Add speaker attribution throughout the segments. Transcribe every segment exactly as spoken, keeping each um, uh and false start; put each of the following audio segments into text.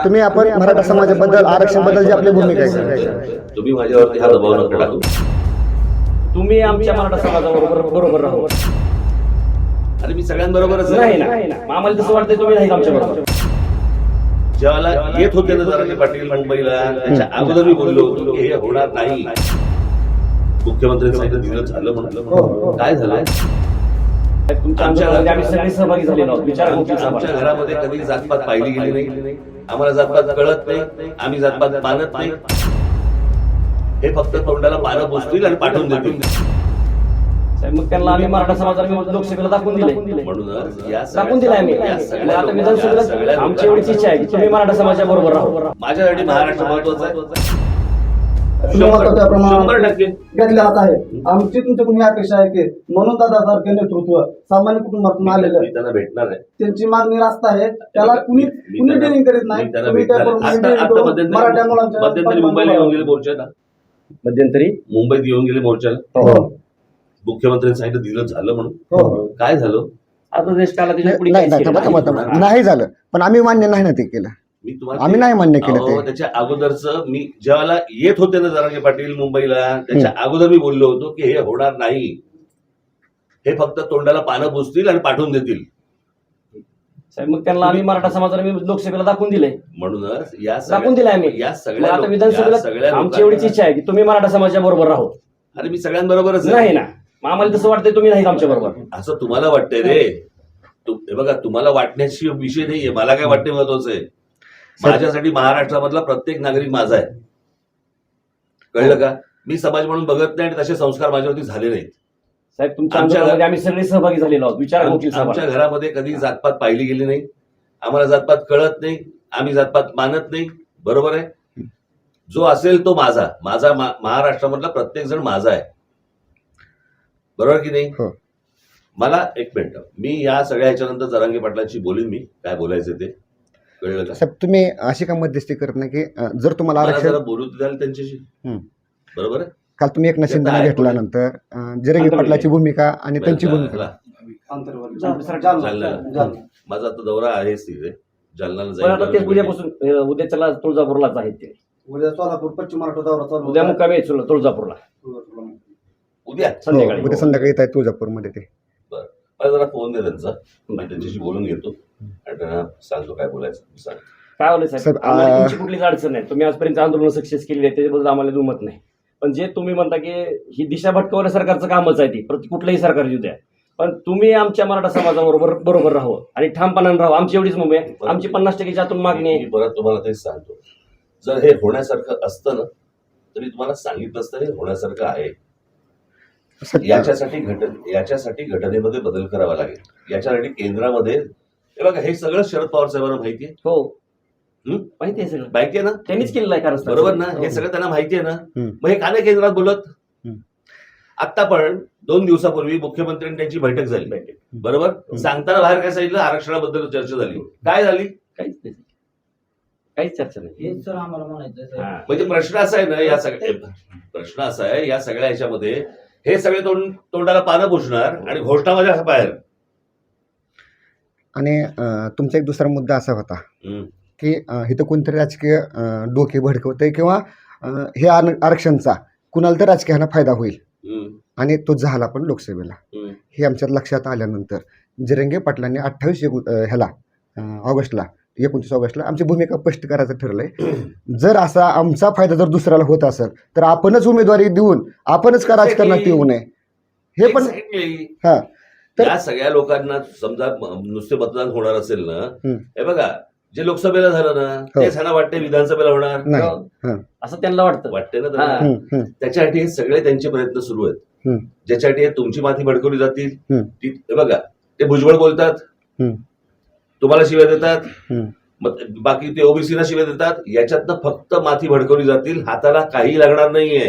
Speaker 1: तुम्ही आपण मराठा समाजाबद्दल आरक्षण बद्दल जी आपली भूमिका आहे
Speaker 2: तुम्ही माझ्यावरती हा दबाव नका टाकू.
Speaker 3: तुम्ही आमच्या मराठा समाजाबरोबर बरोबर राहू.
Speaker 2: आणि मी सगळ्यांबरोबरच
Speaker 3: नाही ना, आम्हाला तसं वाटतंय तुम्ही नाही आमच्या बरोबर.
Speaker 2: जेव्हा येत होते ना जरांगे पाटील मुंबईला, त्याच्या अगोदर मी बोललो होतो की हे होणार नाही. मुख्यमंत्री सांगितलं दिलं झालं म्हणलं. काय झालं?
Speaker 3: तुमच्या आमच्यामध्ये आम्ही सगळे सहभागी झालेलो आहोत. विचारा तुमच्या
Speaker 2: आमच्या घरामध्ये कधी जातपात पाहिली गेली नाही. आम्हाला जातपात कळत नाही. आम्ही जातपात मानत नाही. हे फक्त तोंडाला पानं पुसतील आणि पाठवून देतील.
Speaker 3: मग त्यांना आम्ही मराठा समाजाला लोकसभेला दाखवून दिले.
Speaker 2: म्हणूनच या
Speaker 3: दाखवून दिले आम्ही. आता विधानसभेला आमची एवढीच इच्छा आहे की तुम्ही मराठा समाजाबरोबर राहू.
Speaker 2: माझ्यासाठी महाराष्ट्र महत्वाचा आहे.
Speaker 4: शंभर टक्के घेतले जात आहे. आमची तुमच्याकडून ही अपेक्षा आहे की म्हणून दादासारखे नेतृत्व सामान्य कुटुंबातून आलेलं
Speaker 2: मी त्यांना भेटणार आहे.
Speaker 4: त्यांची मागणी रास्त आहे. त्याला कुणी कुणी ट्रेनिंग करीत नाही.
Speaker 2: मी त्यांना
Speaker 4: तुम्ही
Speaker 2: भेटणार
Speaker 4: त्याकडून
Speaker 2: आहे.
Speaker 4: training
Speaker 2: आता-
Speaker 4: करून
Speaker 2: आता मध्यंतरी
Speaker 4: मराठा मुलांच्या
Speaker 2: मध्यंतरी मुंबईला येऊन गेले मोर्चाला.
Speaker 3: मध्यंतरी
Speaker 2: मुंबईत येऊन गेले मोर्चाला.
Speaker 4: हो.
Speaker 2: मुख्यमंत्र्यांनी सांगितलं दिलं झालं म्हणून.
Speaker 4: हो.
Speaker 2: काय झालं?
Speaker 3: आता देश काला त्याच्या पुढे
Speaker 1: नाही
Speaker 3: काहीच
Speaker 1: नाही
Speaker 3: केलं
Speaker 1: थांबा, थांबा, थांबा. नाही झालं पण आम्ही मान्य नाही ना ते केलं.
Speaker 2: मी तुम्हाला
Speaker 1: आम्ही नाही मान्य केलं ते.
Speaker 2: अहो, त्याच्या अगोदरच मी जेव्हा येत होते ना जरांगे पाटील मुंबईला, त्याच्या अगोदर मी बोललो होतो की हे होणार नाही. हे फक्त तोंडाला पानं पुसतील आणि पाठवून देतील.
Speaker 3: साहेब मग त्यांना आम्ही मराठा समाजाला मी लोकसभेला दाखवून दिले.
Speaker 2: म्हणूनच या
Speaker 3: दाखवून दिले आम्ही.
Speaker 2: या
Speaker 3: मग
Speaker 2: सगळ्या
Speaker 3: आता
Speaker 2: लोक- या
Speaker 3: विधानसभेला
Speaker 2: सगळ्या
Speaker 3: आमची एवढीच
Speaker 2: लोकांना-
Speaker 3: इच्छा आहे की तुम्ही मराठा समाजाबरोबर राहू.
Speaker 2: अरे मी सगळ्यांबरोबरच आहे.
Speaker 3: नाही ना, मग आम्हाला तसं वाटतंय तुम्ही नाही आमच्या बरोबर.
Speaker 2: असं तुम्हाला वाटतंय रे. तु- हे बघा तुम्हाला वाटण्याची विषय नाहीये. मला काय वाटते महत्वाचं आहे. माझ्यासाठी महाराष्ट्रामधला प्रत्येक नागरिक माझा आहे. कळलं का? मी समाज म्हणून बघत नाही आणि तसे संस्कार माझ्यावरती झाले नाहीत.
Speaker 3: साहेब तुमच्या
Speaker 2: आमच्या-
Speaker 3: आंदोलनामध्ये आम्ही सगळे सहभागी झालेलो आहोत. विचारा
Speaker 2: आम-
Speaker 3: तुमची
Speaker 2: आमच्या
Speaker 3: सभा.
Speaker 2: घरामध्ये कधी जातपात पाहिली गेली नाही. आम्हाला जातपात कळत नाही. आम्ही जातपात मानत नाही. बरोबर आहे. जो असेल तो माझा. माझा मा- महाराष्ट्रामधला प्रत्येक जण माझा आहे. बरोबर की नाही?
Speaker 1: हो.
Speaker 2: मला एक मिनिट, मी या सगळ्या ह्याच्यानंतर जरांगे पाटलांशी बोलीन. मी काय बोलायचं ते कळलं का?
Speaker 1: साहेब तुम्ही अशी का मध्यस्थी करत नाही की अं, जर तुम्हाला
Speaker 2: मला
Speaker 1: आरक्षण
Speaker 2: जरा बोलू द्याल त्यांच्याशी.
Speaker 1: हम्म.
Speaker 2: बरोबर आहे.
Speaker 1: काल तुम्ही एक नशिंदाने
Speaker 2: त्याचा
Speaker 1: घेतल्यानंतर अं, जिरंगी पाटलाची भूमिका आणि त्यांची भूमिका
Speaker 2: ह्याला-
Speaker 4: आंतरवर्ग.
Speaker 3: जालना.
Speaker 4: जालना.
Speaker 2: जालना. माझा आता दौरा आहेच तिथे. जालनाला
Speaker 3: पण आता ते
Speaker 2: जाईल.
Speaker 3: उद्यापासून अं, उद्याच्याला तुळजापूरलाच आहेत ते.
Speaker 4: उद्या सोलापूर पश्चिम महाराष्ट्र दौरा चालू
Speaker 3: उद्या
Speaker 4: होता.
Speaker 3: मुक्कामी आहेत तुळजापूरला
Speaker 2: उद्या
Speaker 1: हो,
Speaker 3: संध्याकाळी.
Speaker 1: उद्या संध्याकाळी येत आहे तुळजापूरमध्ये ते.
Speaker 2: मला जरा फोन दे त्यांचा. मी त्यांच्याशी बोलून घेतो आणि त्यांना सांगतो काय बोलायचं. सांग.
Speaker 3: काय होलं साहेब,
Speaker 1: साहेब,
Speaker 3: आम्हाला
Speaker 1: आ-
Speaker 3: तुमची कुठलीच अडचण नाही. तुम्ही आजपर्यंत आंदोलन सक्सेस केली आहे त्याच्याबद्दल आम्हाला दुमत नाही. पण जे तुम्ही म्हणता की ही दिशा भटकवण्या सरकारचं कामच आहे ती, प्रति कुठलंही सरकार येऊ द्या, पण तुम्ही आमच्या मराठा समाजाबरोबर बरोबर राहू आणि ठामपणाने राहू. आमची एवढीच मुंबई आहे. आमची पन्नास टक्केच्या आतून मागणी
Speaker 2: मी
Speaker 3: आहे.
Speaker 2: परत तुम्हाला तेच सांगतो. जर हे होण्यासारखं असतं ना तरी तुम्हाला सांगितलं असतं हे होण्यासारखं आहे.
Speaker 1: साहेब,
Speaker 2: याच्यासाठी घटन याच्यासाठी घटनेमध्ये बदल करावा लागेल. याच्यासाठी केंद्रामध्ये हे बघा हे सगळं शरद पवार साहेबांना माहिती आहे.
Speaker 3: हो
Speaker 2: हं?
Speaker 3: माहिती आहे सगळं.
Speaker 2: माहिती आहे ना?
Speaker 3: त्यांनीच केलेलं आहे कारण
Speaker 2: बरोबर ना? हे सगळं त्यांना माहिती आहे ना?
Speaker 1: हं.
Speaker 2: मग हे का नाही केंद्रात बोलत?
Speaker 1: हं.
Speaker 2: आता पण दोन दिवसापूर्वी मुख्यमंत्र्यांनी त्यांची बैठक झाली. बरोबर. सांगताना बाहेर काय सांगितलं? आरक्षणाबद्दल चर्चा झाली. काय झाली?
Speaker 3: काहीच नाही, काहीच चर्चा नाही.
Speaker 4: हेच सर आम्हाला म्हणायचं
Speaker 3: हा.
Speaker 2: म्हणजे प्रश्न असा आहे ना या सगळ्या प्रश्न असा आहे या सगळ्या ह्याच्यामध्ये हे सगळे तोंड तोंडाला पानं पुसणार आणि घोषणा माझ्या बाहेर.
Speaker 1: आणि अं, तुमचा एक दुसरा मुद्दा असा होता
Speaker 2: हं.
Speaker 1: की अं, इथं कोणतरी राजकीय अं, डोके भडकवतंय किंवा अं, हे आर- आरक्षणचा कुणाला तर राजकीयाला फायदा होईल
Speaker 2: हं.
Speaker 1: आणि तो झाला पण लोकसभेला.
Speaker 2: हं.
Speaker 1: हे आमच्यात लक्षात आल्यानंतर जिरंगे पाटलांनी अठ्ठावीस एकू अं, ह्याला अं, ऑगस्टला एकोणतीस ऑगस्टला आमची भूमिका स्पष्ट करायचं ठरलंय. जर असा आमचा फायदा जर दुसऱ्याला होत असेल तर आपणच उमेदवारी देऊन आपणच का राजकारणात येऊ नये हे पण.
Speaker 2: Exactly.
Speaker 1: हा तर
Speaker 2: या सगळ्या लोकांना समजा म- नुसते मतदान होणार असेल ना,
Speaker 1: हं.
Speaker 2: हे बघा जे लोकसभेला झालं ना
Speaker 1: हो.
Speaker 2: तेच ह्यांना वाटते विधानसभेला होणार.
Speaker 1: नाही.
Speaker 3: हो.
Speaker 1: हा.
Speaker 3: असं त्यांना वाटतं.
Speaker 2: वाटते ना
Speaker 3: हा.
Speaker 2: त्यांना.
Speaker 1: हं, हं,
Speaker 2: त्याच्यासाठी हे सगळे त्यांचे प्रयत्न सुरू आहेत.
Speaker 1: हं,
Speaker 2: ज्याच्यासाठी हे तुमची माती भडकवली जातील.
Speaker 1: हं.
Speaker 2: ती- हे बघा ते भुजबळ बोलतात,
Speaker 1: हं,
Speaker 2: तुम्हाला शिव्या देतात,
Speaker 1: हं.
Speaker 2: मग बाकी ते ओबीसीला शिव्या देतात. याच्यातनं फक्त माती भडकवली जातील. हाताला काही लागणार नाहीये.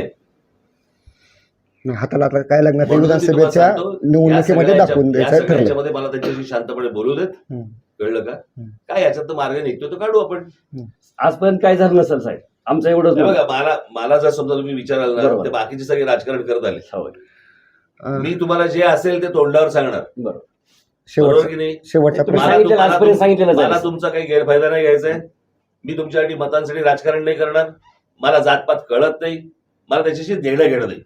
Speaker 1: हाताला आता काय लागणार ते
Speaker 2: म्हणून मी तुम्हाला
Speaker 1: विधानसभेच्या
Speaker 2: सांगतो, या
Speaker 1: निवडणुकीमध्ये
Speaker 2: सगळ्या
Speaker 1: दाखवून
Speaker 2: ह्याच्या- या
Speaker 1: द्यायचं
Speaker 2: सगळ्या
Speaker 1: ठरलं.
Speaker 2: ह्याच्यामध्ये मला त्यांच्याशी शांतपणे बोलू देत.
Speaker 1: हं,
Speaker 2: कळलं का?
Speaker 1: हं.
Speaker 2: काय याच्यात मार्ग निघतो तो काढू आपण.
Speaker 3: आजपर्यंत काय झालं नसेल साहेब, आमचं एवढंच
Speaker 2: हे
Speaker 3: मत.
Speaker 2: बघा मला मला जर समजा तुम्ही विचाराल ना
Speaker 3: बरोबर.
Speaker 2: ते बाकीचे सगळे राजकारण करत आले.
Speaker 3: हो.
Speaker 1: अं,
Speaker 2: मी तुम्हाला जे असेल ते तोंडावर सांगणार.
Speaker 3: बरोबर.
Speaker 2: बरोबर
Speaker 1: शेवटचा
Speaker 2: की नाही?
Speaker 1: शेवटचा
Speaker 3: तुम्ही
Speaker 1: प्रश्न.
Speaker 2: मला
Speaker 3: सांगितलेलं
Speaker 2: तुम्हाला-
Speaker 3: आजपर्यंत सांगितलेलं
Speaker 2: मला
Speaker 3: जाईल.
Speaker 2: तुमचा काही गैरफायदा नाही घ्यायचा आहे. मी तुमच्यासाठी मतांसाठी राजकारण नाही करणार. मला जातपात कळत नाही. मला त्याच्याशी देणं घेणं नाही.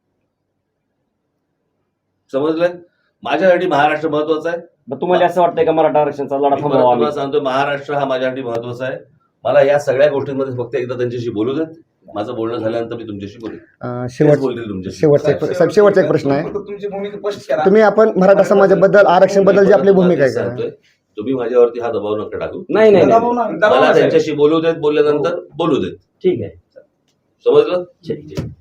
Speaker 2: समजलं? माझ्यासाठी महाराष्ट्र महत्वाचा आहे.
Speaker 3: मग तुम्हाला असं वाटतंय का मराठा आरक्षणाचा लढा
Speaker 2: मी परत
Speaker 3: थांबवावा आम्ही?
Speaker 2: तुम्हाला सांगतो, महाराष्ट्र हा माझ्यासाठी महत्वाचा आहे. मला या सगळ्या गोष्टींमध्ये फक्त एकदा त्यांच्याशी बोलू देत. माझं बोलणं झाल्यानंतर मी तुमच्याशी बोलेन.
Speaker 1: अं,
Speaker 2: तेच
Speaker 1: शेवट
Speaker 2: बोलतील तुमच्याशी.
Speaker 1: शेवटचा एक साहेब शेवटचा एक प्रश्न आहे.
Speaker 5: फक्त तुमची भूमिका स्पष्ट करा.
Speaker 1: तुम्ही आपण मराठा समाजाबद्दल आरक्षण बद्दल जी आपली भूमिका आहे
Speaker 2: सांगतोय,
Speaker 1: का?
Speaker 2: तुम्ही माझ्यावरती हा दबाव नका टाकू.
Speaker 3: नाही नाही नाही.
Speaker 4: दबाव नाही.
Speaker 5: दबाव
Speaker 2: मला
Speaker 5: नाही.
Speaker 2: त्यांच्याशी बोलू देत. बोलल्यानंतर बोलू देत.
Speaker 3: ठीक आहे.
Speaker 2: समजलं?
Speaker 3: ठीक आहे.